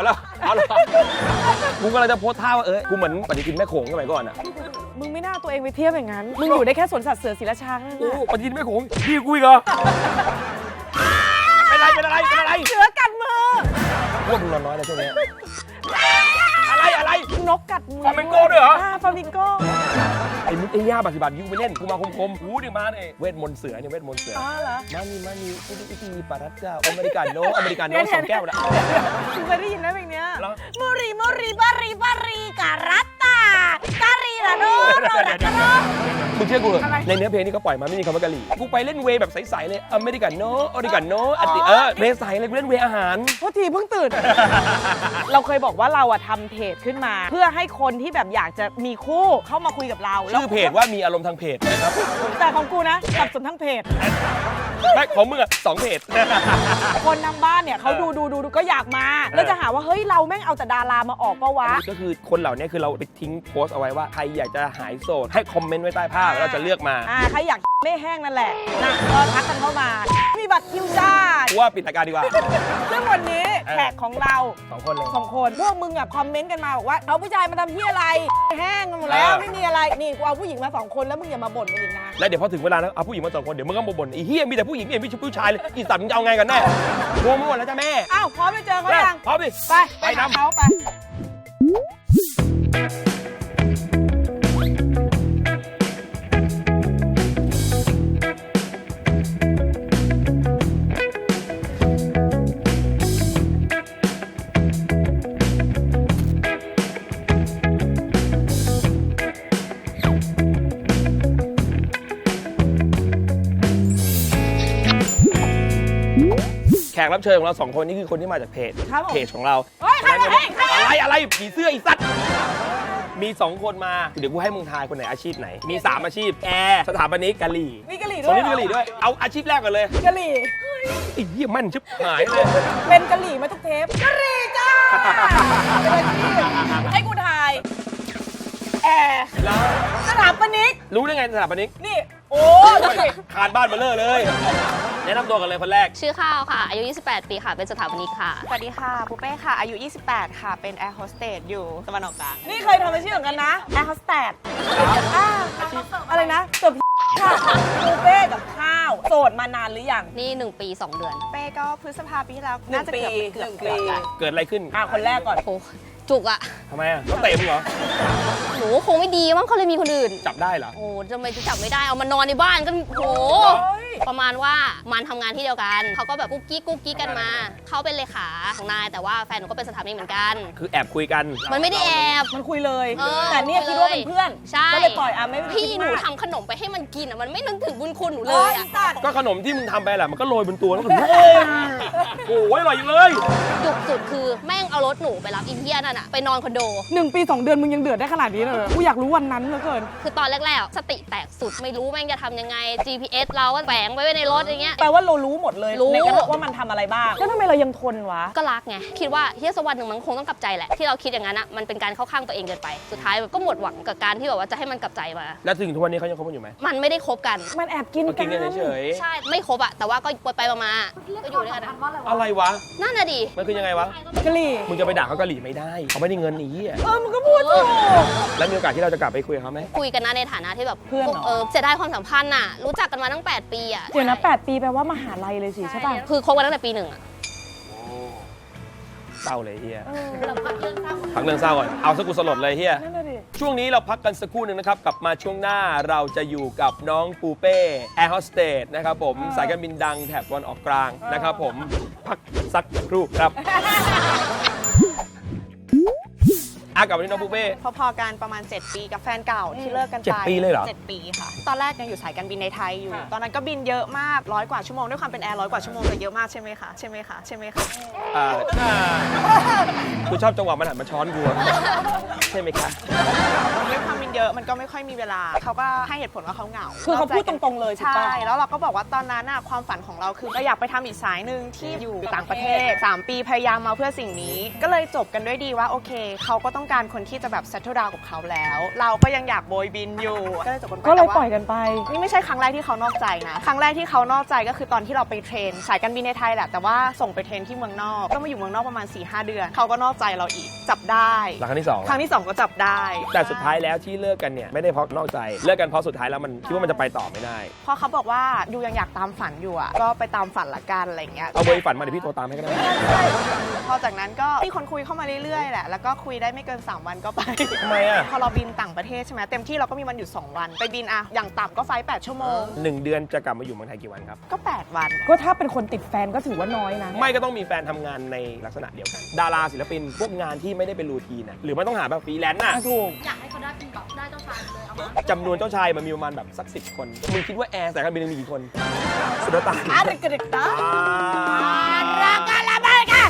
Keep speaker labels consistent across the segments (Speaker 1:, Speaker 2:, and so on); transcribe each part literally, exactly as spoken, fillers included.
Speaker 1: เอาละเอาละกูกำลังจะโพสท่าว่าเอ้ยกูเหมือนปฏิทินแม่โขงสมัยก่อนอ่ะ
Speaker 2: มึงไม่น่าตัวเองไปเทียบอย่างนั้นมึงอยู่ได้แค่สวนสัตว์เสือศรีราชานั่นแห
Speaker 1: โอ้
Speaker 2: ละ
Speaker 1: ปฏิทินแม่โขงพี่กูอีกเหรอเป็นไรเป็นอะไรเป็นอะไร
Speaker 2: เสือกัดมือ
Speaker 1: พวกมึงนอนน้อยนะช่วงนี้อะไรอะไร
Speaker 2: นกกัดมือ
Speaker 1: ฟลามิงโก้ด้วยเหรอ
Speaker 2: ฟลามิงโก้
Speaker 1: ไอ้มุกไอ้ย่าบาสิบาทยูไปเล่นกูมาคมๆหูดิมาเนี่ยเวทมนต์เสือเนี่ยเวทมนต์เสือ
Speaker 2: อ๋อเหรอ
Speaker 1: มานี่มานี่อุดิอุดิปารัตเจ้าอเมริกาโน่อเมริกาโน่สองแก้วนะ
Speaker 2: คุณเคยได้ยินไหมเพลงเนี้ย
Speaker 1: แล้ว
Speaker 2: มูรีมูรีบารีบารีการัตตาการีละโนโรดักโน
Speaker 1: คุณเชื่อกูเหรอในเนื้อเพลงนี้เขาปล่อยมาไม่มีคำว่ากะหรี่กูไปเล่นเวย์แบบใสๆเลยอเมริกาโน่อเมริกาโน่อันติเออเวย์ใสเลยกูเล่นเวย์อาหาร
Speaker 2: โทษทีเพิ่งตื่น เราเคยบอกว่าเราอะทำเพจขึ้นมา เพื่อให้คนที่แบบอยากจะมีคู่เข้ามาคุยกับเรา
Speaker 1: ชื่อเพจว่ามีอารมณ์ทางเพจนะครับ
Speaker 2: แต่ของกูนะสับสนทั้งเพจ
Speaker 1: ไม่ของมึงอ่ะสองเพจ
Speaker 2: คนทางบ้านเนี่ยเขาดูดูดูดูก็อยากมา แล้วจะหาว่าเฮ้ยเราแม่งเอาแต่ดารามาออกปะวะ
Speaker 1: ก็คือคนเหล่านี้คือเราไปทิ้งโพสต์เอาไว้ว่าใครอยากจะหายโสดให้คอมเมนต์ไว้ใต้ภาพแล้วเราจะเลือกมา
Speaker 2: อ่าใครอยากไม่แห้งนั่นแหละนะก็ทักกันเข้ามา มีบัตรคิวจ้า
Speaker 1: กูว่าปิดรายการดีกว่า
Speaker 2: ซึ่งวันนี้แขกของเรา
Speaker 1: สองคนเลย
Speaker 2: สองคนพวกมึงอ่ะคอมเมนต์กันมาบอกว่าเอาผู้ชายมาทำที่อะไรแห้งกันหมดแล้ว
Speaker 1: เออ
Speaker 2: ไม่มีอะไรนี่กูเอาผู้หญิงมาสองคนแล้วมึงอย่ามาบ่นกันอีกนะ
Speaker 1: แล้วเดี๋ยวพอถึงเวลาแล้วเอาผู้หญิงมาสองคนเดี๋ยวมึงก็มาบ่นไอ้เฮียมีแต่ผู้หญิงไม่มีผู้ชายเลยอีสัตว์มึงจะเอาไงกันแน่งงไปหมดแล้วจ้าแม่
Speaker 2: อ้าวพร้อมไปเจอเขายัง
Speaker 1: พร้อมดิ
Speaker 2: ไปไป
Speaker 1: ไป
Speaker 2: หา
Speaker 1: นำ
Speaker 2: เขาไป
Speaker 1: แขกรับเชิญของเราสองคนนี่คือคนที่มาจากเพจ
Speaker 2: ครับผม
Speaker 1: เพจของเรา
Speaker 2: เฮ้ยใครใครใคร
Speaker 1: อะไรอะไรผีเสื้ออีสัตว์มีสองคนมาเดี๋ยวกูให้มึงทายคนไหนอาชีพไหนมีสามอาชีพแอร์สถาปนิกกะหรี่
Speaker 2: มีกะหรี่
Speaker 1: ค
Speaker 2: ด้วน ย
Speaker 1: นี้มีกะหรี่ด้วยเอาอาชีพแรกก่อนเลย
Speaker 2: กะหรี่
Speaker 1: ไอ้เหี้ยมั่นชิบหายเลย
Speaker 2: เป็นกะหรี่มาทุกเทปกะหรี่จ้าเป็นอาชีพให้กูทายแอร์
Speaker 1: แล้ว
Speaker 2: สถาปนิก
Speaker 1: รู้ได้ไงสถาปนิก
Speaker 2: นี่โอ้ดูสิ
Speaker 1: คานบ้านมาเลอะเลยแนะนำตัวกันเลยคนแรก
Speaker 3: ชื่อข้าวค่ะ อายุ ยี่สิบแปด ปีค่ะ เป็นสถาปนิกค่ะ
Speaker 4: สวัสดีค่ะปูเป้ค่ะ อายุ ยี่สิบแปด ค่ะ เป็นแอร์โฮสเตสอยู่ตะวันออกกลาง
Speaker 2: นี่เคยทำอาชีพเหมือนกันนะแอร์โฮสเตสอ่าอะไรนะเสิร์ฟค่ะบูเฟ่กับข้าวโสดมานานหรือยัง
Speaker 3: นี่ หนึ่ง ปี สอง เดือน
Speaker 4: เป้ก็พฤษภาปีที่แล้ว
Speaker 2: หนึ่ง
Speaker 4: น่าจะเกือบ
Speaker 2: ปี
Speaker 4: เกือบ
Speaker 2: หนึ่ง
Speaker 4: เกือบ
Speaker 2: ปี
Speaker 4: ละ
Speaker 1: เกิดอะไรขึ้น
Speaker 2: อ่าคนแรกก่อน
Speaker 3: โอ้จุกอะ
Speaker 1: ทำไมอ่ะเขาเตะมึงเหรอ
Speaker 3: หนูคงไม่ดีมั้งเขาเลยมีคนอื่น
Speaker 1: จับได้เหรอ
Speaker 3: โอ้ทำไมจะจับไม่ได้ เอามานอนในบ้านก็โห ประมาณว่ามันทำงานที่เดียวกัน เขาก็แบบกุ๊กกิ๊กกุ๊กกิ๊กกันมา เขาเป็นเลขาของนาย แต่ว่าแฟนหนูก็เป็นสถาปนิกเหมือนกัน
Speaker 1: คือแอบคุยกัน
Speaker 3: มันไม่ได้แอบ
Speaker 2: มันคุยเลย
Speaker 3: เออ
Speaker 2: แต่เนี่ยคิดว่าเป็นเพื่อน
Speaker 3: ใช่
Speaker 2: ก็เลยปล่อยอ่ะไม่
Speaker 3: พี่หนู
Speaker 2: คิดมาก
Speaker 3: ทำขนมไปให้มันกินอะมันไม่นึกถึงบุญคุณหนูเล
Speaker 2: โอ้
Speaker 3: ย
Speaker 2: ย
Speaker 3: อะ
Speaker 2: สัตว์
Speaker 1: ก็ขนมที่มึงทำไปแหละมันก็โรยบนตัวแล้วก็โอ้ยอร่อยอยู่เลย
Speaker 3: จุกสุดคือแม่งเอารถหนูไปรับอินเดียนั่นอะไปนอนคอนโด
Speaker 2: หนึ่งปีสองเดือนมึงยังเดือดได้ขนาดนี้เลยเหรอกูอยากรู้วันนั้นเหลือเกิน
Speaker 3: คือตอนแรกๆ สติแตกสุดไม่รู้แม่งจะทำยังไง จี พี เอส เราก็แฝงไว้ในรถอย่างเงี้ย
Speaker 2: แปลว่าเรารู้หมดเลย
Speaker 3: รู้
Speaker 2: ในกระทะว่ามันทำอะไรบ้าง แล้วทำไมเรายังทนวะ
Speaker 3: ก็รักไง คิดว่าเฮียสกวันหนึ่งมันคงต้องกลับใจแหละ ที่เราคิดอย่างนั้นอะมันเป็นการเข้าข้างตัวเองเกินไป สุดท้ายแบบก็หมดหวังกับการที่แบบว่าจะให้มันกลับใจมา
Speaker 1: แล้วถึงทุกวันนี้เขายังคบกันอยู่ไหม
Speaker 3: มันไม่ได้คบกัน
Speaker 2: มันแอบกิน
Speaker 1: ก็กินกันเฉย
Speaker 3: ใช่ ไม่คบอะแต่ว่าก็ไปๆมาๆก็อยู่ด้วยกันอะ
Speaker 1: ๆอะไรวะ
Speaker 3: นั่นน่ะดิ
Speaker 1: มันคือยังไงวะ
Speaker 2: กะหรี่
Speaker 1: มึงจะไปด่าเขากะหรี่ไม่ได้เขาไม่ได้เงินหนีอ่ะ
Speaker 2: เออมึงก็พูดถูก
Speaker 1: แล้วมีโอกาสที่เราจะกลับไปคุยกับเขาไหม
Speaker 3: คุยกันนะในฐานะที่แบบ
Speaker 2: เพื่อนเหรอ
Speaker 3: เออเสียดายความสัมพันธ์น่ะ รู้จักกันมาตั้งแปดปีอะ
Speaker 2: เดี๋ยวนะแปดปีแปลว่ามหาลัยเลยสิใช่ป่ะ
Speaker 3: คือคบกันตั้งแต่ปีหนึ่งอะ
Speaker 1: เศร้าเลยเฮีย
Speaker 2: เออ
Speaker 1: พักเรื่องเศร้าก่อนเอาสักกูสลดเลยเฮีย
Speaker 2: นั่นน่ะดิ
Speaker 1: ช่วงนี้เราพักกันสักครู่หนึ่งนะครับ กลับมาช่วงหน้าเราจะอยู่กับน้องปูเป้แอร์โฮสเตสนะครับผมสายการบินดังแถบตะวันออกกลางนะครับผมพักสักครู่ครับอ่ะกลับมาที่น้องปูเป้
Speaker 4: พอๆกันประมาณ เจ็ด ปีกับแฟนเก่าที่เลิกกัน
Speaker 1: เจ็
Speaker 4: ไป
Speaker 1: ดปีเลยเหรอ
Speaker 4: เจ็ดปีค่ะ ตอนแรกยังอยู่สายการบินในไทยอยู่ ตอนนั้นก็บินเยอะมากร้อยกว่าชั่วโมงด้วยความเป็นแอร์ร้อยกว่าชั่วโมงจะเยอะมากใช่ไหมคะใช่ไหมคะใช่ไหมคะ
Speaker 1: อ่ากูชอบจังหวะมันหันมาช้อนกูอะใช่ไหมคะ
Speaker 4: ด้วยความมีเยอะมันก็ไม่ค่อยมีเวลาเขาก็ให้เหตุผลว่าเขาเหงา
Speaker 2: คือเขาพูดตรงๆเลยถูก
Speaker 4: ใช่
Speaker 2: ปะ
Speaker 4: แล้วเราก็บอกว่าตอนนั้นน่ะความฝันของเราคือเราอยากไปทำอีกสายหนึ่งที่อยู่ต่างประเทศสามปีพยายามมาเพื่อสิ่งนี้ ก็เลยจบกันด้วยดีว่าโอเคเขาก็ต้องการคนที่จะแบบ settle down กับเขาแล้ว เราก็ยังอยากโบยบินอยู่ก็เลยจบกันไป
Speaker 2: ก็เลย
Speaker 4: แต่ว่า
Speaker 2: ปล่อยกันไป
Speaker 4: นี่ไม่ใช่ครั้งแรกที่เขานอกใจนะครั้งแรกที่เขานอกใจก็คือตอนที่เราไปเทรนสายการบินในไทยแหละแต่ว่าส่งไปเทรนที่เมืองนอกก็มาอยู่เมืองนอกประมาณ สี่ห้า เดือนเขาก็นอกใจเราอีกจับได้
Speaker 1: หลังครั้งที่สอง
Speaker 4: ครั้งที่สองก็จับได้
Speaker 1: แต่สุดท้ายแล้วที่เลิกกันเนี่ยไม่ได้เพราะนอกใจเลิกกันเพราะสุดท้ายแล้วมันคิดว่ามันจะไปต่อไม่ได้
Speaker 4: เพราะเขาบอกว่ายูยังอยากตามฝันอยู่อ่ะก็ไปตามฝันละกันอะไรเงี้ย
Speaker 1: เอาเบอร์ฝันมาเดี๋ยวพี่โทรตามให้ก็ได้
Speaker 4: พอจากนั้นก็มีคนคุยเข้ามาเรื่อยๆแหละแล้วก็คุยได้ไม่เกินสามวันก็ไป
Speaker 1: ทำไมอ่ะ
Speaker 4: พอเราบินต่างประเทศใช่ไหมเต็มที่เราก็มีวันหยุดสองวันไปบินอะอย่างต่ำก็ไฟล์แปดชั่วโมง
Speaker 1: หนึ่งเดือนจะกลับมาอยู่เมืองไทยกี่วันครับ
Speaker 4: ก็แปดวัน
Speaker 2: ก็ถ้าเป็นคนติดแฟนก็ถือว่าน้อยนะ
Speaker 1: ไม่ก็ต้องมีแฟนทำงานในลักษณะเดียวกัน ดาราศิลปินพวกงานที่ไม่ได้เป็นรูทีนน่ะหรือไม่ต้องหาแบบฟรีแลนซ์น่ะ
Speaker 2: อ่ะถูก
Speaker 3: อยากให้เขาได้เป็นแบบได้เจ้าชายเลยเอามา
Speaker 1: จำนวนเจ้าชายมันมีประมาณแบบสักสิบคนมึงคิดว่าแอร์สายการบินมีกี่คนสุดตาย
Speaker 2: อ่ะเด็กๆเด็กๆตา
Speaker 1: รักกันละไปกัน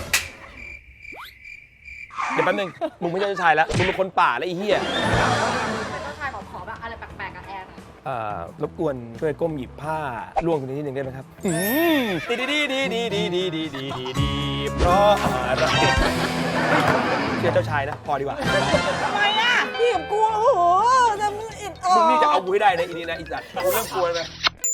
Speaker 1: เดี๋ยวแป๊บนึงมึงไม่ใช่เจ้าชายแล้วมึงเป็นคนป่าแล้วไอ้เหี้ย
Speaker 3: เป็นเจ้าชายขอขอแบบอะไรแปลกๆกับแอร์
Speaker 1: เอ่อรบกวนช่วยก้มหยิบผ้าล่วงตรงนี้นิดนึงได้ไหมครับอืมดีดีดีดีดีดีดีดีดีดีเพราะอะไรเชื่อเจ้าชายนะพอดีกว่า
Speaker 2: ทำไมอ่ะพี่กับกูโอ้โหจะมึงอิดออ
Speaker 1: มึงนี่จะเอา
Speaker 2: ก
Speaker 1: กูให้ได้นะอีนี่นะอีสัตว์กูเริ่มกลัวเลย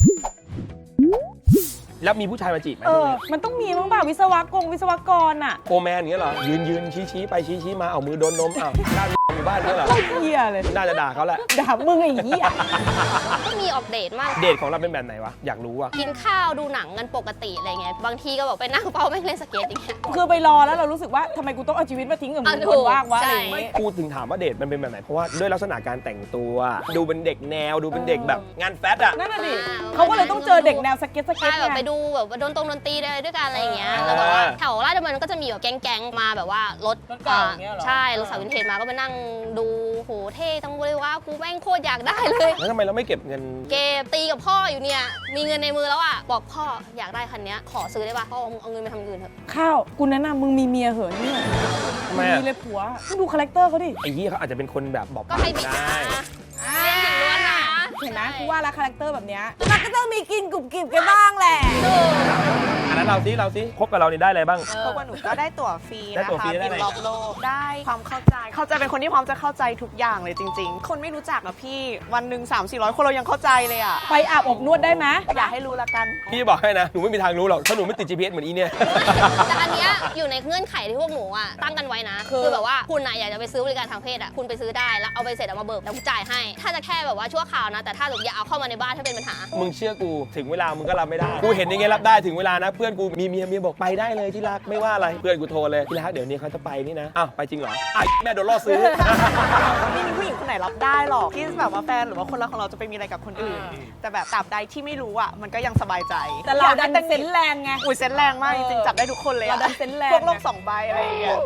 Speaker 1: แล้วมีผู้ชายมาจีบไหม
Speaker 2: เออ มันต้องมีมั้งเปล่าวิศวกรวิศวกรอ่ะ
Speaker 1: โฟร์แมนอย่างเงี้ยเหรอยืนยืนชี้ชี้ไปชี้ชี้มาเอามือโดนนมอ้าวด้านอยู่บ้านเนี่ยเหรอ
Speaker 2: โคตรเหี้ยเลย
Speaker 1: น่าจะด่าเขาแหละ
Speaker 2: ด่ามึงไอ้เหี้ย
Speaker 3: ก็มีออกเดทมาก
Speaker 1: เดทของเราเป็นแบบไหนวะอยากรู้อ่ะ
Speaker 3: กินข้าวดูหนังกันปกติอะไรเงี้ยบางทีก็แบบไปนั่งเป้าไม่เล่นสเก็ตอย่างเงี้ย
Speaker 2: คือไปรอแล้วเรารู้สึกว่าทำไมกูต้องเอาชีวิตมาทิ้งกับมึง
Speaker 3: อ่ะถู
Speaker 2: ค
Speaker 3: ก
Speaker 2: นว่างวะ
Speaker 3: ใช่
Speaker 2: อะไรอย่างงี้
Speaker 1: พูดถึงถามว่าเดทมันเป็นแบบไหนเพราะว่าด้วยลักษณะการแต่งตัว ดูเป็นเด็กแนวดูเป็นเด็กแบบงานแฟชั่นอ่ะ
Speaker 2: นั่นน่ะดิเขาก็เลยต้องเจอเด็กแนวสเก็ตสเก็ต
Speaker 3: ใช่แบบ
Speaker 2: ไง
Speaker 3: ไปดูแบบว่าโดนตรงดนตรีอะไรด้วยกันอะไรอย่างเงี้ย
Speaker 1: เออ
Speaker 3: แล้วแบบว่าแถวราชดำเนินก็จะมีแบบแก๊งๆมาแบบว่ารถ
Speaker 2: รถเก่าอย่างเงี้ยเหรอ
Speaker 3: ใช่รถสาววินเทจมาก็ไปนั่งดูโหเท่จังเลยว่ากูแม่งโคตรอยากได้เลย
Speaker 1: แล้วทำไมเราไม่เก็บเงิน
Speaker 3: เกมตีกับพ่ออยู่เนี่ยมีเงินในมือแล้วอ่ะบอกพ่ออยากได้คันเนี้ยขอซื้อได้ป่ะพ่อเอาเอาเงินไปทำอย่างอื่นเถอะ
Speaker 2: ข้าวกูแนะนำมึงมีเมียเหอะเนี่ย
Speaker 1: ทำไม
Speaker 2: มี
Speaker 1: อ่ะ
Speaker 2: เลยผัวมึงดูคาแรคเตอร์เขาดิ
Speaker 1: ไอ้ยี่เขาอาจจะเป็นคนแบบบอก
Speaker 3: ก็
Speaker 1: ปาก
Speaker 3: ให้บิด
Speaker 1: ได้
Speaker 3: นะเล่นถึงล้วนนะ
Speaker 2: เห็นไหมกูว่าแล้วคาแรคเตอร์แบบเนี้ยมันก็ต้องมีกินกรุบกริบกันบ้างแหละ
Speaker 1: อันนั้นเราซิเราซิคบกับเรานี่ได้อะไรบ้าง
Speaker 4: เพราะว่าหนูก็ได้ตั๋วฟรี
Speaker 1: ได้
Speaker 4: นะ
Speaker 1: ตั๋วฟรี
Speaker 4: คะ
Speaker 1: ได้
Speaker 4: บิ
Speaker 1: อะไร
Speaker 4: นรอบโลกได้ความเข้าใจ เขาจะเป็นคนที่พร้อมจะเข้าใจทุกอย่างเลยจริง ๆ คนไม่รู้จักนะพี่วันหนึ่งสามสี่ร้อยคนเรายังเข้าใจเลยอ่ะ
Speaker 2: ไปอาบอบนวดได้ไหม
Speaker 4: อย่าให้รู้ละกัน
Speaker 1: พี่บอกให้นะหนูไม่มีทางรู้หรอกถ้าหนูไม่ติด จี พี เอส เหมือนอีเนี่ย
Speaker 3: แต่อันเนี้ยอยู่ในเงื่อนไขที่พวกหนูอ่ะตั้งกันไว้นะ คือแบบว่าคุณอ่ะอยากจะไปซื้อบริการทางเพศอ่ะคุณไปซื้อได้แล้วเอาไปเสร็จเอามาเบิกแล้วกูจ่ายให้ ถ้าจะแค่แบบว่าชั่วคราวนะแต่ถ้าหนูอย่าเอาเข้ามาในบ้านถ้าเป็นปัญหา
Speaker 1: มึงเชื่อกูถึงเวลามึงก็รับไม่ได้กูเห็นยังไงรับได้ถึงเวลานะเพื่อนกูมีเมียเมียบอกไปได้เลยที่รักไม่ว่าอะไรเพื่อนกูโทรเลยที่รักเดี๋ยวนี้เขาจะไปนี่นะอ้าวไปจริงเหรออ้าวแม่โดนล่อซื้อ
Speaker 4: ไม่มีผู้หญิงคนไหนรับได้หรอกที่แบบว่าแฟนหรือว่าคนรักของเราจะไปมีอะไรกับคนอื่น แต่แบบตราบใดที่ไม่รู้อ่ะมันก็ยังสบายใจ
Speaker 2: แต่เราดันเซนส์แรงไง
Speaker 4: อุ้ยเซนส์แรงมากจริงๆจับได้ทุกคนเลยอะ
Speaker 2: เราดันเซนส์แรง
Speaker 4: พวกโลกสองใบอะไรอย่างเงี้ย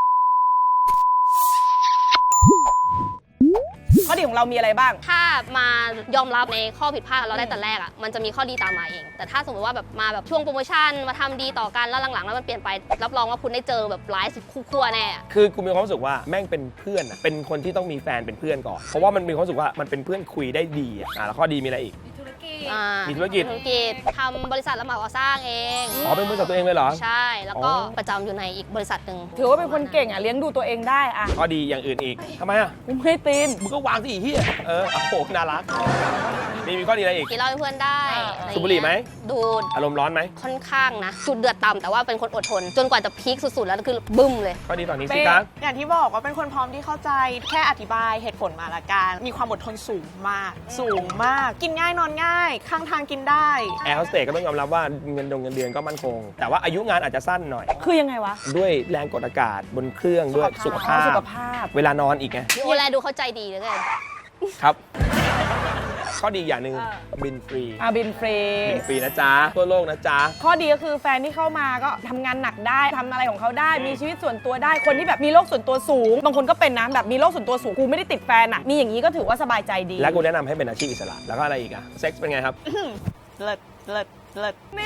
Speaker 2: ข้อดีของเรามีอะไรบ้าง
Speaker 3: ถ้ามายอมรับในข้อผิดพลาดเราได้แต่แรกอ่ะมันจะมีข้อดีตามมาเอง แต่ถ้าสมมติว่าแบบมาแบบช่วงโปรโมชั่นมาทำดีต่อกันแล้วหลังๆแล้วมันเปลี่ยนไปรับรองว่าคุณได้เจอแบบร้ายสุดคู่ขั้วแน่อะ
Speaker 1: คือกูมีความรู้สึกว่าแม่งเป็นเพื่อนอะเป็นคนที่ต้องมีแฟนเป็นเพื่อนก่อนเพราะว่ามันมีความรู้สึกว่ามันเป็นเพื่อนคุยได้ดีอะอ่ะแล้วข้อดีมีอะไรอีก
Speaker 3: อ่า
Speaker 1: มีธุรกิจ
Speaker 3: ธุรกิจทำบริษัทรับเหมาก่อสร้างเอง
Speaker 1: อ๋อเป็นบริษัทตัวเองเลยเหรอ
Speaker 3: ใช่แล้วก็
Speaker 1: อ๋อ
Speaker 3: ประจำอยู่ในอีกบริษัทหนึ่ง
Speaker 2: ถือว่าเป็นคนเก่งอ่ะเลี้ยงดูตัวเองได้อ่ะ
Speaker 1: ข้อดีอย่างอื่นอีกทำไมอ่ะ
Speaker 2: กูไม่ตีน
Speaker 1: มึงก็วางสิอีเหี้ยเออโอ้โหน่ารักมีมีข้อดีอะไรอีก
Speaker 3: กินเหล้าเป็นเพื่อนได้
Speaker 2: อ่า
Speaker 3: อะ
Speaker 1: สูบบุหรี่ไหม
Speaker 3: ดูด
Speaker 1: อารมณ์ร้อนไหม
Speaker 3: ค่อนข้างนะจุดเดือดต่ำแต่ว่าเป็นคนอดทน จนกว่าจะพีคสุดๆแล้วคือบึ้มเลย
Speaker 1: ข้อดีตอนนี้
Speaker 2: เป๊ะ
Speaker 1: สิคะ
Speaker 4: อย่างที่บอกว่าเป็นคนพร้อมที่เข้าใจแค่อธิบายเหตุผลมาละกันมีความอดทนสูงมาก สูงมาก กินง่ายนอนง่าย ข้างทางกินได้
Speaker 1: แอร์โฮสเตสก็ต้องยอมรับว่าเงินดงเงินเดือนก็มั่นคง แต่ว่าอายุงานอาจจะสั้นหน่อย
Speaker 2: คือยังไงวะ
Speaker 1: ด้วยแรงกดอากาศบนเครื่องด้วยสุขภาพ
Speaker 2: สุขภาพ
Speaker 1: เวลานอนอีกไง
Speaker 3: โอแลดูเข้าใจดีเหลยกัน
Speaker 1: ครับ ข้อดีอย่างหนึ่ง
Speaker 2: อ่า
Speaker 1: บินฟรี
Speaker 2: อาบินฟรี
Speaker 1: บินฟรีนะจ๊ะทั่วโลกนะจ๊ะ
Speaker 2: ข้อดีก็คือแฟนที่เข้ามาก็ทำงานหนักได้ทำอะไรของเขาได้ มีชีวิตส่วนตัวได้คนที่แบบมีโรคส่วนตัวสูง บางคนก็เป็นนะแบบมีโรคส่วนตัวสูงกูไม่ได้ติดแฟนอ่ะมีอย่างนี้ก็ถือว่าสบายใจดี
Speaker 1: และกูแนะนำให้เป็นอาชีพอิสระแล้วก็อะไรอีกอะเซ็กซ์เป็นไงครับ
Speaker 4: เลิศเลิศเลิศ
Speaker 2: นี่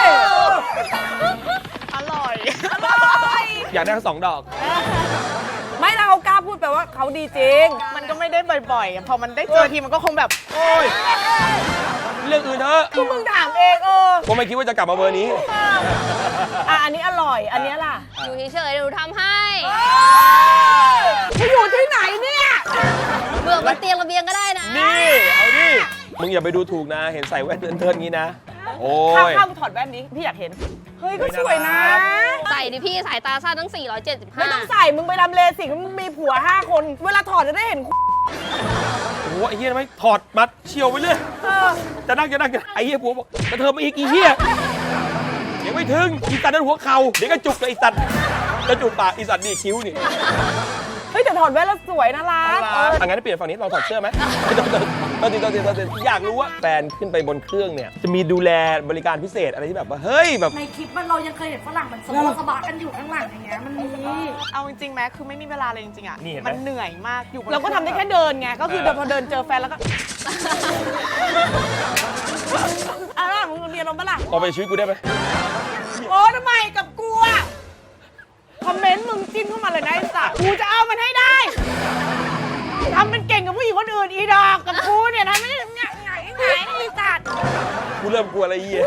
Speaker 4: อร่อย
Speaker 1: อยากได้ทั้งสองดอก
Speaker 2: ไม่แล้วเขากล้าพูดแปลว่าเขาดีจริง
Speaker 4: มันก็ไม่ได้บ่อยๆอะพอมันได้เจอทีมันก็คงแบบ
Speaker 1: โอ้ยเรื่องอื่นเถอะ
Speaker 2: กูมึงถามเองเออ
Speaker 1: ผมไม่คิดว่าจะกลับมาเบอร์นี้
Speaker 2: อ่ะอันนี้อร่อย อันนี้ล่ะ
Speaker 3: อยู่เฉยๆเดี๋ยวหนูทำให้
Speaker 2: มึงอยู่ที่ไหนเนี่ย
Speaker 3: เบื่อบนเตียงระเบียงก็ได้นะ
Speaker 1: นี่ เอาดิ มึงอย่าไปดูถูกนะ เห็นใส่แว่นเทินๆงี้นะ โอ้
Speaker 2: ข้าวย ข้าวถอดแว่นนี้พี่อยากเห็น เฮ้ยก็สวยนะ
Speaker 3: ใส่ดิพี่สายตาสั้นทั้ง สี่ร้อยเจ็ดสิบห้า
Speaker 2: ไม่ต้องใส่มึงไปทำเลสิกมึงมีผัวห้าคน เวลาถอดจะได้เห็น
Speaker 1: โอ้โหไอ้เหี้ยทำไมถอดมัดเฉียวไปเรื่อย
Speaker 2: เออ
Speaker 1: จะนั่งจะนั่งจะไอ้เหี้ยผัวบอกกระเทิบมาอีกอีเหี้ยยังไม่ถึงอีสัตว์นั้นหัวเข่าเดี๋ยวก็จุกเลยไอ้สัตว์จะจุกปากอีสัตว์นี่คิ้วนี่
Speaker 2: เฮ้ยแต่ถอดแว่นแล้วสวยน่ารักเออ
Speaker 1: อ่ะงั้นเปลี่ยนฝั่งนี้ลองถอดเสื้อไหมตอนตีตอนตีตอนตีอยากรู้ว่าแฟนขึ้นไปบนเครื่องเนี่ยจะมีดูแลบริการพิเศษอะไรที่แบบว่าเฮ้ยแบบ
Speaker 5: ในคลิปมันเรายังเคยเห็นฝรั่งมันสะบะสะบะกันอยู่ข้างหลังอย่างเงี้ยมันมี
Speaker 4: เอาจริงๆไหมคือไม่มีเวลาเลยจริงๆอ่ะ
Speaker 1: นี่เห็นไหม
Speaker 4: มันเหนื่อยมากอยู่บน
Speaker 2: เราก็ทำได้แค่เดินไง ก็คือเดินพอเดินเจอแฟนแล้วก็อ่ะแล้วมึงเรียนลงปะล่ะ
Speaker 1: เอาไปชีวิตกูได้ไหม
Speaker 2: โอ้ทำไมกับกูอะคอมเมนต์มึงจิ้มเข้ามาเลยนะไอ้สัตว์กูจะเอามันให้ได้ทำเป็นเก่งกับผู้หญิงคนอื่นอีดอกกับกูเนี่ยทำไม่ได้ไงไงไงไอ้สัตว์
Speaker 1: กูเริ่มกลัวอะไรเหี้ย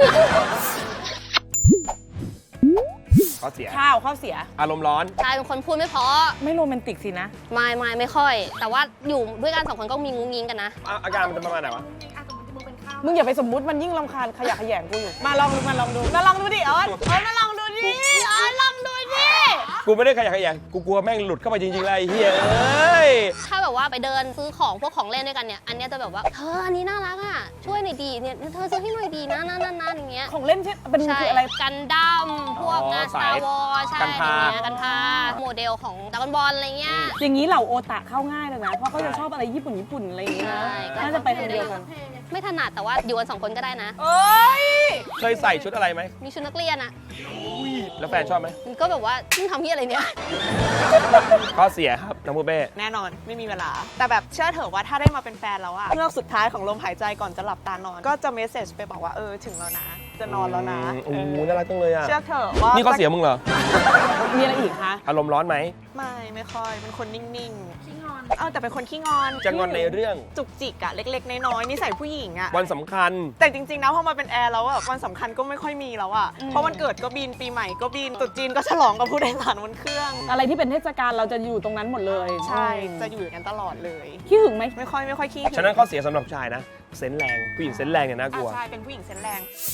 Speaker 1: ข้อเสีย
Speaker 2: ข้าวข้าวเสีย
Speaker 1: อารมณ์ร้อน
Speaker 3: ชายเป็นคนพูดไม่เพราะ
Speaker 2: ไม่โรแมนติกสินะ
Speaker 3: ไม่ไม่ไม่ค่อย แต่ว่าอยู่ด้วยกันสองคนก็มีงุ้งยิงกันนะ
Speaker 1: อ่ะอาการมันจะประมาณไหนวะ
Speaker 2: มึงอย่าไปสมมุติมันยิ่งรำคาญขยะแขยงกูอยู่ มาลองดูมาลองดูมาลองดูดิออนออนมาลองดูดิออนลองดูดิ
Speaker 1: กูไม่ได้ขยะแขยงกูกลัวแม่งหลุดเข้าไปจริงๆเลยไอ้เฮียเอ้ย
Speaker 3: ถ้าแบบว่าไปเดินซื้อของพวกของเล่นด้วยกันเนี่ย อันเนี้ยจะแบบว่าเธออันนี้น่ารักอ่ะ ช่วยหน่อยดีเนี่ยเธอซื้อให้หน่อยดีนะนั่นนั่นนั่นอย่างเงี้ย
Speaker 2: ของเล่นใช่เป็น
Speaker 3: ใช่
Speaker 2: คืออะไร
Speaker 3: กันดั้มพวกงาน
Speaker 1: อ๋อ
Speaker 3: สตาร์วอลใช่
Speaker 1: กันพา
Speaker 3: อะไรเงี้ยกันพาโมเดลของดราก้อนบอลอะไรเงี้ย
Speaker 2: อย่างนี้เหล่าโอตะเข้าง่ายเลยนะ เพราะเขาจะชอบอะไรญี่ปุ่นญี่ปุ่นอะไรอย่างเงี้ยนะ
Speaker 3: ใช่ก็
Speaker 2: น่าจะไปทางเดียวกัน
Speaker 3: ไม่ถนัดแต่ว่าอยู่กันสองคนก็ได้นะ
Speaker 2: เอ้ย
Speaker 1: เคยใส่ชุดอะไรไหม
Speaker 3: มีชุดนักเรียนอ่ะ
Speaker 1: แล้วแฟนชอบไหม
Speaker 3: มันก็แบบว่ามึงทำที่อะไรเนี่ย
Speaker 1: ข้อเสียครับน้องปูเป้
Speaker 4: แน่นอนไม่มีเวลา แต่แบบเชื่อเถอะว่าถ้าได้มาเป็นแฟนแล้วอะเงือกสุดท้ายของลมหายใจก่อนจะหลับตานอน ก็จะเมสเซจไปบอกว่าเออถึงแล้วนะ จะนอนแล้วนะ
Speaker 1: โอ้
Speaker 4: เอ
Speaker 1: โห
Speaker 4: อ
Speaker 1: น่ารักจังเลยอ่ะ
Speaker 4: เชื่อเถอะว่า
Speaker 1: นี่ข้อเสียมึงเหรอ
Speaker 2: มีอะไรอีกคะ
Speaker 1: อารมณ์ร้อนไหม
Speaker 4: ไม่ไม่ค่อยเป็นคนนิ่งๆขี้งอนเออแต่เป็นคนขี้งอน
Speaker 1: จะงอนในเรื่อง
Speaker 4: จุกจิกอะเล็กๆน้อยๆนิสัยผู้หญิงอะ
Speaker 1: วันสำคัญ
Speaker 4: แต่จริงๆนะพอมาเป็นแอร์แล้วอะวันสำคัญก็ไม่ค่อยมีแล้วอะเพราะวันเกิดก็บินปีใหม่ก็บินตรุษจีนก็ฉลองกับผู้โดยสารบนเครื่อง
Speaker 2: อะไรที่เป็นเทศกาลเราจะอยู่ตรงนั้นหมดเลย
Speaker 4: ใช่จะอยู่อย่างนั้นตลอดเลย
Speaker 2: ขี้หึงไหม
Speaker 4: ไม่ค่อยไม่ค่อยขี้หึง
Speaker 1: ฉะนั้นข้อเสียสำหรับชายนะ เซนส์แรง ผู้หญิงเซนส์แรงเนี่ยน่ากลัว
Speaker 4: อ่ะใช่เป็นผู้หญิงเซนส์แรง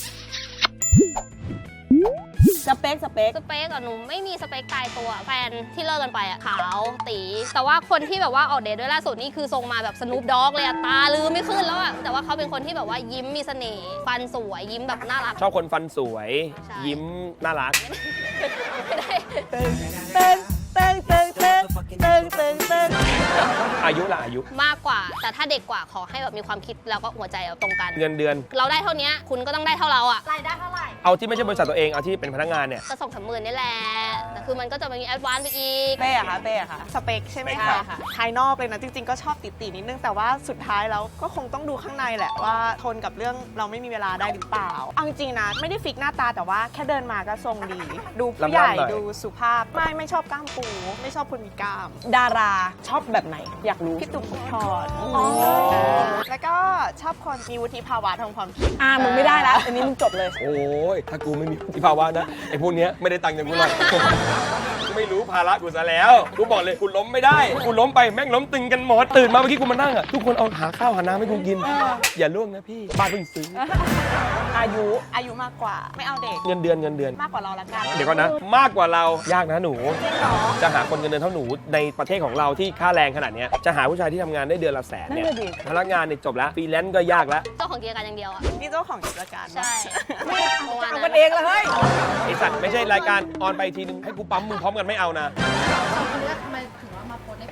Speaker 2: สเปคสเปค
Speaker 3: สเปคอะหนูไม่มีสเปคตายตัวแฟนที่เลิกกันไปอะขาวตี แต่ว่าคนที่แบบว่าออกเดทด้วยล่าสุดนี่คือทรงมาแบบสนูปด็อกเลยอะตาลืมไม่ขึ้นแล้วอะแต่ว่าเขาเป็นคนที่แบบว่ายิ้มมีเสน่ห์ฟันสวยยิ้มแบบน่ารัก
Speaker 1: ชอบคนฟันสวย
Speaker 3: ใช่
Speaker 1: ยิ้มน่ารัก
Speaker 3: ไม่ได้
Speaker 2: เติงเติงเติงเติงเติงเติงเติงเติง
Speaker 1: อายุล่ะอายุ
Speaker 3: มากกว่า แต่ถ้าเด็กกว่าขอให้แบบมีความคิดแล้วก็หัวใจแบบตรงกัน
Speaker 1: เงินเดือน
Speaker 3: เราได้เท่านี้คุณก็ต้องได้เท่าเราอะ
Speaker 5: รายได้เท่าไหร่
Speaker 1: เอาที่ไม่ใช่บริษัทตัวเอง เอาที่เป็นพนักงานเนี่ย
Speaker 3: ก็ส่งสามหมื่นนี่แหละแต่คือมันก็จะมีแอดวานซ์ไปอีก
Speaker 2: เป้อะคะเป้อะคะ
Speaker 4: สเปคใช่ไหม
Speaker 1: ใช่
Speaker 4: คะ
Speaker 2: ค่ะ
Speaker 4: ภายนอกเลยนะจริงๆก็ชอบติดๆนิดนึงแต่ว่าสุดท้ายแล้วก็คงต้องดูข้างในแหละว่าทนกับเรื่องเราไม่มีเวลาได้หรือเปล่าเอาจริงๆนะไม่ได้ฟิกหน้าตาแต่ว่าแค่เดินมาก็ทรงดี ดูผู้ใหญ่
Speaker 1: ลำๆหน่อย
Speaker 4: ดูสุภาพไม่ไม่ชอบกล้ามปู ไม่ชอบคนมีกล้าม
Speaker 2: ดาราชอบแบบไหน อยากรู้
Speaker 4: พี่ตุ๊กพรแล้วก็ชอบคนมีวุฒิภาวะทางความคิด
Speaker 2: อ่ามึงไม่ได้แล้วอันนี้มึงจบเลย
Speaker 1: โอ้ย ถ้ากูไม่มีที่ภาวะนะ ไอ้พวกเนี้ยไม่ได้ตังค์อย่างกูหรอก กูไม่รู้ภาระกูซะแล้ว กูบอกเลยกูล้มไม่ได้ กูล้มไปแม่งล้มตึงกันหมด ตื่นมาเมื่อกี้กูมานั่งอ่ะ ทุกคนเอาหาข้าวหาน้ำให้กูกิน อย่าล่วงนะพี่ บ้านเพิ่งซื้อ
Speaker 2: อายุ
Speaker 4: อายุมากกว่า ไม่เอาเด็ก
Speaker 1: เงินเดือนเงินเดือน
Speaker 4: มากกว่าเราละกัน
Speaker 1: เดี๋ยวก่อนนะ มากกว่าเรา ยากนะหนู จะหาคนเงินเดือนเท่าหนูในประเทศของเราที่ค่าแรงขนาดเนี้ยจะหาผู้ชายที่ทำงานได้เดือนละแสนเนี่ย
Speaker 2: นั่นน่ะดิ
Speaker 1: พนักงานเนี่ยจบแล้วฟรีแลนซ์ก็ยากแล้ว
Speaker 3: เจ้าของกิจการอย่างเดียวอะ
Speaker 4: นี่เจ้าของกิจการ
Speaker 3: ใช่
Speaker 2: จะเอากันเองเลยเฮ้ย
Speaker 1: ไอสัตว์ไม่ใช่รายการออนไปทีนึงให้กูปั๊มมึงพร้อมกันไม่เอานะ
Speaker 5: สองคนนี้ทำไมถึงว่ามาโพสต์ในเพจเรา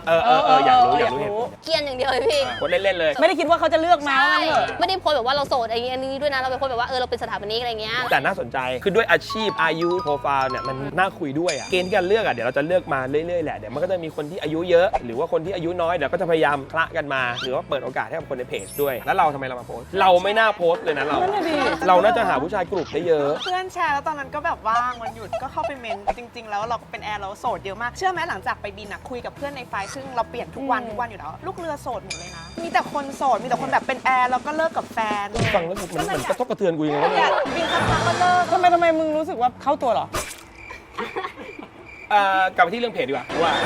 Speaker 1: เออเออเอออยากรู้อยากรู้เหตุผล
Speaker 3: เกรียนอย่างเดียวเลยพี่
Speaker 1: คนเล่นๆเลย
Speaker 2: ไม่ได้คิดว่าเขาจะเลือกมา
Speaker 3: ใช่
Speaker 2: ว่างั้นเถอะ
Speaker 3: ไม่ได้โพสต์แบบว่าเราโสดอะไรอย่างนี้ด้วยนะเราเป็นคนแบบว่าเออเราเป็นสถาปนิกอะไรเงี้ย
Speaker 1: แต่น่าสนใจคือด้วยอาชีพอายุโปรไฟล์เนี่ยมันน่าคุยด้วยอะเกณฑ์ที่การเลือกอะเดี๋ยวเราจะเลือกมาเรื่อยๆแหละเดี๋ยวมันก็จะมีคนที่อายุเยอะ หรือว่าคนที่อายุน้อยเดี๋ยวก็จะพยายามคละกันมา หรือว่าเปิดโอกาสให้กับคนในเพจด้วยแล้วเราทำไมเรามาโพสต์เราไม่น่าโพสต์เลยนะเรา
Speaker 2: นั่นน่ะดิ
Speaker 1: เราน่าจะหาผู้ชายกลุ่มได้เยอะ
Speaker 4: เพื่อนแชร์แล้วตอนนั้นก็แบบว่างวันหยุดก็เข้าไปเมนจริง ๆ แล้วเราเป็นแอร์เราโสดเยอะมากเชื่อไหมหลังจากไปบินอะคุยกับเพื่อนในไฟล์ซึ่งเราเปลี่ยนทุกวันทุกวันอยู่แล้วลูกเรือโสดหมดเลยนะมีแต่คนโสดมีแต่คนแบบเป็นแอร์แล้วก็เลิกกับแฟน
Speaker 1: ฟังแล้วมันเหมือนกระทบกระเทือนกูยังไงวะ
Speaker 4: เนี่
Speaker 1: เนี่ย ย
Speaker 4: บินสักพักก็เลิก
Speaker 2: ทำไมทำไมมึงรู้สึกว่าเข้าตัวเหรอ
Speaker 1: อ่ากลับไปที่เรื่องเพจดีกว่าว่า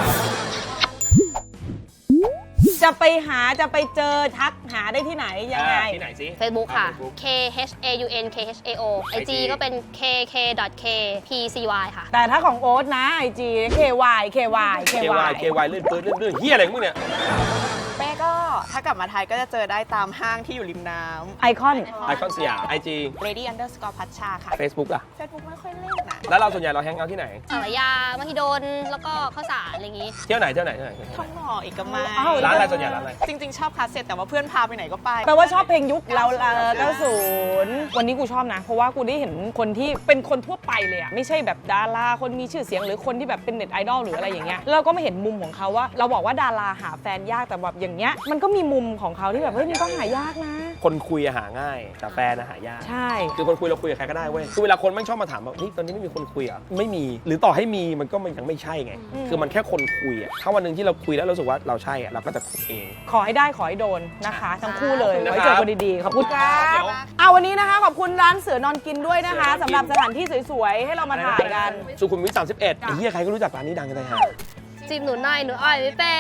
Speaker 2: จะไปหาจะไปเจอทักหาได้ที่ไหนยังไง
Speaker 1: อ่าที่ไหนสิ
Speaker 3: Facebook ค่ะ
Speaker 1: อ่า Facebook
Speaker 3: K H A U N K H A O ไอ จี ก็เป็น k k k p c y ค่ะ
Speaker 2: แต่ถ้าของโอ๊ตนะไอจี เค วาย เค วาย เค
Speaker 1: เคว
Speaker 2: าย
Speaker 1: เควายเลื่อนปืนเลื่อนเลื่อนเฮียอะไรของมึงเนี่ย
Speaker 4: แม่ก็ถ้ากลับมาไทยก็จะเจอได้ตามห้างที่อยู่ริมน้
Speaker 2: ไอคอน
Speaker 1: ไอคอนสยามไอจี
Speaker 4: ำ Lady Underscore พัชชาค่ะ
Speaker 1: เฟซบุ๊กอะ
Speaker 4: Facebook ไม่ค่อยเล่นนะ
Speaker 1: แล้วเราส่วนใหญ่เราแฮงเอาท์ที่ไหน
Speaker 3: สารยามหิดล แล้วก็ข้าวสารอะไรอย่างงี้
Speaker 1: เที่ยวไหนเที่ยวไหนเที่ยวไหน
Speaker 4: ท่องหล่ออีกก็ไม่
Speaker 2: อ้าว
Speaker 1: ร้านอะไรส่วนใหญ่ร้านอะไร
Speaker 4: จริง ๆ ชอบคลาสเซ็ตแต่ว่าเพื่อนพาไปไหนก็ไป
Speaker 2: แปลว่าชอบเพลงยุคเราเก้าศูนย์วันนี้กูชอบนะ เพราะว่ากูได้เห็นคนที่เป็นคนทั่วไปเลยอะไม่ใช่แบบดาราคนมีชื่อเสียงหรือคนที่แบบเป็นเน็ตไอดอลหรืออะไรอย่างเงี้ยแล้วเราก็ไม่เห็นมุมของเขาว่า เราบอกว่าดาราหาแฟนยากแต่แบบอย่างเงี้ยมันก็มีมุมของเขาที่แบบเฮ้ยมันก็หายากนะ
Speaker 1: คนคุยอะหาง่าย แต่แฟนอะหายาก
Speaker 2: ใช่
Speaker 1: คือคนคุยเราคุยกับใครก็ได้เว้ย คือเวลาคนไม่งชอบมาถามว่าเฮ้ยตอนนี้ไม่มีคนคุยเหรอ่ะ ไม่มี หรือต่อให้มีมันก็มันยังไม่ใช่ไง คือมันแค่คนคุยอ่ะ ถ้าวันหนึ่งที่เราคุยแล้วเรารู้สึกว่าเราใช่อ่ะเราก็จะคุยเอง
Speaker 2: ขอให้ได้ขอให้โดนนะคะ ทั้งคู่เลย
Speaker 1: ขอบคุณ
Speaker 2: ไว้
Speaker 1: นะครับ
Speaker 2: เจอกันดีๆขอบคุณครับ
Speaker 1: เดี๋ยว
Speaker 2: เอาวันนี้นะคะขอบคุณร้านเสือนอนกินด้วยนะคะสำหรับสถานที่สวยๆให้เรามาถ่ายกัน
Speaker 1: สุขุมวิทสามสิบเอ็ดไอ้เหี้ยใครก็รู้จักร้านนี้ดังกันเลยฮะ
Speaker 3: จีบหนูหน่อยหนูอ่อยไม่เป็น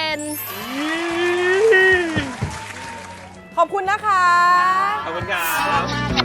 Speaker 2: ขอบคุณนะคะ
Speaker 1: ขอบคุณครั
Speaker 4: น่ารับ กมาก